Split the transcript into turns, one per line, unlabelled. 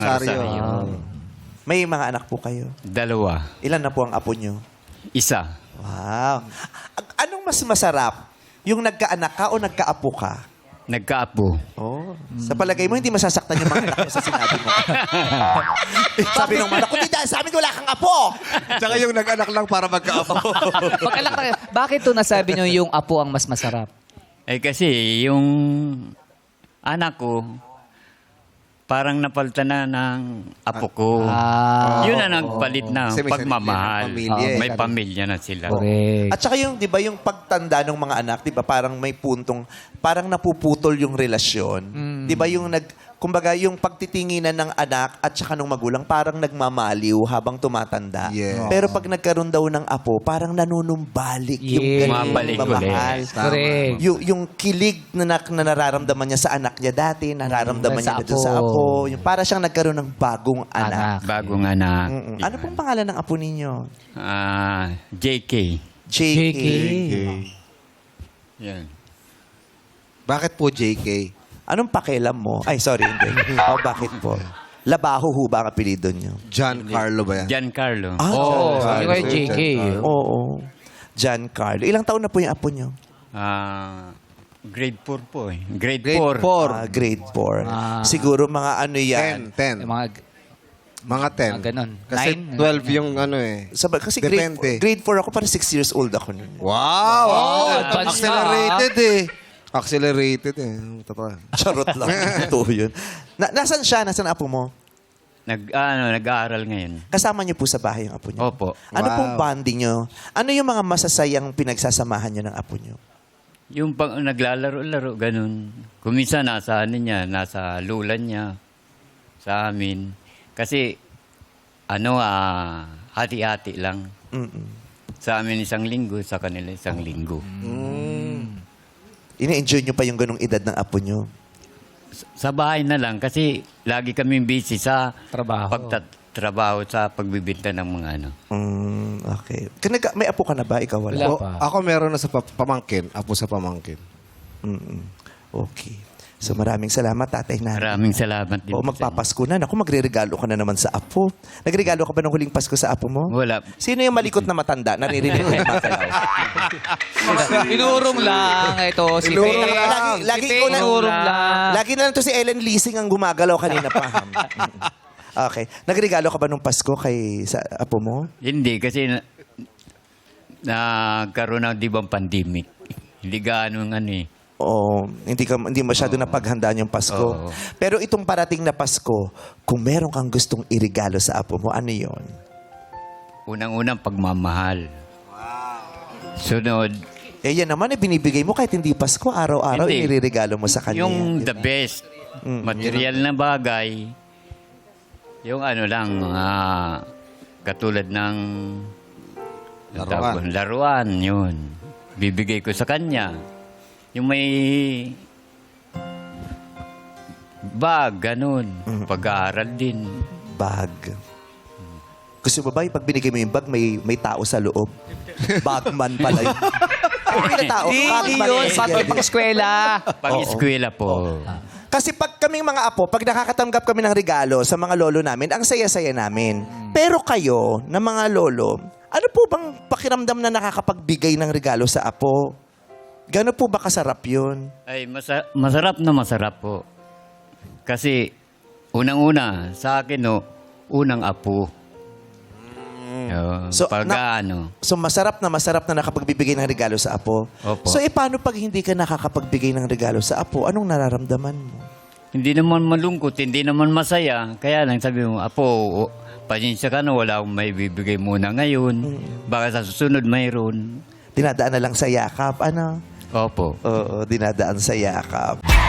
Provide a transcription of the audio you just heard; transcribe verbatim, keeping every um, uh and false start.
Rosario.
May mga anak po kayo?
Dalawa.
Ilan na po ang apo nyo?
Isa.
Wow. A- Anong mas masarap? Yung nagkaanak ka o nagkaapo ka?
Nagkaapo.
Oh. Sa palagay mo, hindi masasaktan yung mga anak mo sa sinabi mo. Sabi ng mga anak ko, hindi dahil sa amin wala kang apo.
Tsaka yung nag-anak lang para magkaapo.
Mag-alak tayo. Bakit to nasabi nyo yung apo ang mas masarap?
Eh kasi yung anak ko, parang napalitan na ng apo ko.
Ah,
Yun na nagpalit na
Kasi may
pagmamahal.
sarili na pamilya
Oo,
eh.
may pamilya na sila.
correct.
At saka yung, di ba, yung pagtanda ng mga anak, di ba, parang may puntong, parang napuputol yung relasyon. Di ba, yung nag, kumbaga, yung pagtitinginan ng anak at saka ng magulang, parang nagmamaliw habang tumatanda.
Yes.
Pero pag nagkaroon daw ng apo, parang nanunumbalik yung
Yes.
ganung
Mabalik
mamahal.
ulit.
Correct.
Yung, yung kilig na, na, na nararamdaman niya sa anak niya dati, nararamdaman
Mm, sa
niya dito sa
apo.
apo. Yung para siyang nagkaroon ng bagong anak.
Anak.
Bagong anak.
Mm-mm. Ano pong pangalan ng apo ninyo?
Ah, J K.
J K.
J K.
Yan.
Bakit po J K?
Anong pakialam mo? Ay, sorry, hindi. O, bakit po? Labaho ho ba ang apelido niyo?
John Carlo ba yan?
Giancarlo.
Ah,
Oo,
John-
yung kay J K.
John-
Oo. Giancarlo. Ilang taon na po yung apo niyo?
Ah, grade four po eh. Grade,
Grade
four.
four.
Ah, grade four.
Ah.
Siguro mga ano
Ten.
yan.
Ten.
Yung mga,
Mga ten.
mga ganon.
Kasi
Nine?
twelve yung ano eh.
Sa, kasi grade,
Depende.
grade four ako, parang six years old ako nun.
Wow!
Oh, advance
Accelerated eh. Accelerated eh. Totoo.
Charot lang. Ito yun. Na, nasaan siya? Nasaan ang apo mo?
Nag, ano, nag-aaral ngayon.
Kasama niyo po sa bahay yung apo niyo?
Opo.
Ano
Wow.
pong bonding niyo? Ano yung mga masasayang pinagsasamahan niyo ng apo niyo?
Yung pag naglalaro-laro, ganun. Kumisa nasa ano niya, nasa lulan niya, sa amin. Kasi, ano, ah, hati-hati lang.
Mm-mm.
Sa amin isang linggo, sa kanila isang linggo.
Ine-enjoy niyo pa yung ganong edad ng apo niyo?
Sa bahay na lang, kasi lagi kami busy sa
Trabaho.
pagtatrabaho sa pagbibinta ng mga ano.
Mm, okay. Kanaga, may apo ka na ba? Ikaw wala?
Wala.
O,
pa.
ako meron na sa pa- pamangkin. Apo sa pamangkin.
Mm-mm. Okay. So maraming salamat, tatay na.
Maraming salamat din.
O
po sa inyo.
magpapasko na. Naku, magre-regalo ka na naman sa apo. Nagregalo ka ba ng huling Pasko sa apo mo?
Wala.
Sino yung malikot na matanda? Naririnig ko yung makalaw.
Inurong lang ito. Si
Inurong
Faye.
lang.
Lagi, lagi
Si
ko
Faye
na,
inurong lang.
lagi na lang to si Ellen Leasing ang gumagalaw kanina pa. Okay. Nagregalo ka ba nung Pasko kay sa apo mo?
Hindi, kasi na, nagkaroon ng di bang pandemic. Hindi gaano ng ano eh.
Oo, hindi ka hindi masyado napaghandaan yung Pasko.
Oo.
Pero itong parating na Pasko, kung meron kang gustong irigalo sa apo mo, ano 'yon?
Unang-unang pagmamahal. Sunod,
Eh yan naman, eh, binibigay mo kahit hindi Pasko, araw-araw
Hindi.
iniririgalo mo sa kanya.
yung
yan,
the
di ba?
best,
Mm.
material na bagay, yung ano lang, ah, katulad ng
Laruan.
laruan, yun. Bibigay ko sa kanya. Yung may bag, ganun. Pag-aaral din.
Bag. Gusto mo ba, yung pag binigay mo yung bag, may, may tao sa loob? Bagman pala yun. Hindi na tao.
Hindi
Bagman
yun.
eh.
Pag pang eskwela.
Pag-eskwela po.
Kasi pag kaming mga apo, pag nakakatanggap kami ng regalo sa mga lolo namin, ang saya-saya namin. Pero kayo, na mga lolo, ano po bang pakiramdam na nakakapagbigay ng regalo sa apo? Gano'n po ba kasarap yun?
Ay, masa- masarap na masarap po. Kasi, unang-una, sa akin, no, unang apo.
So,
So, pag
na-
ano,
So masarap na masarap na nakapagbibigay ng regalo sa apo.
Opo.
So e paano pag hindi ka nakakapagbigay ng regalo sa apo? Anong nararamdaman mo?
hindi naman malungkot, hindi naman masaya. Kaya lang sabi mo, apo, o, pasensya ka na, wala akong may bibigay muna ngayon. Baka sa susunod mayroon.
Dinadaan na lang sa yakap, ano?
Opo.
Oo, dinadaan sa yakap.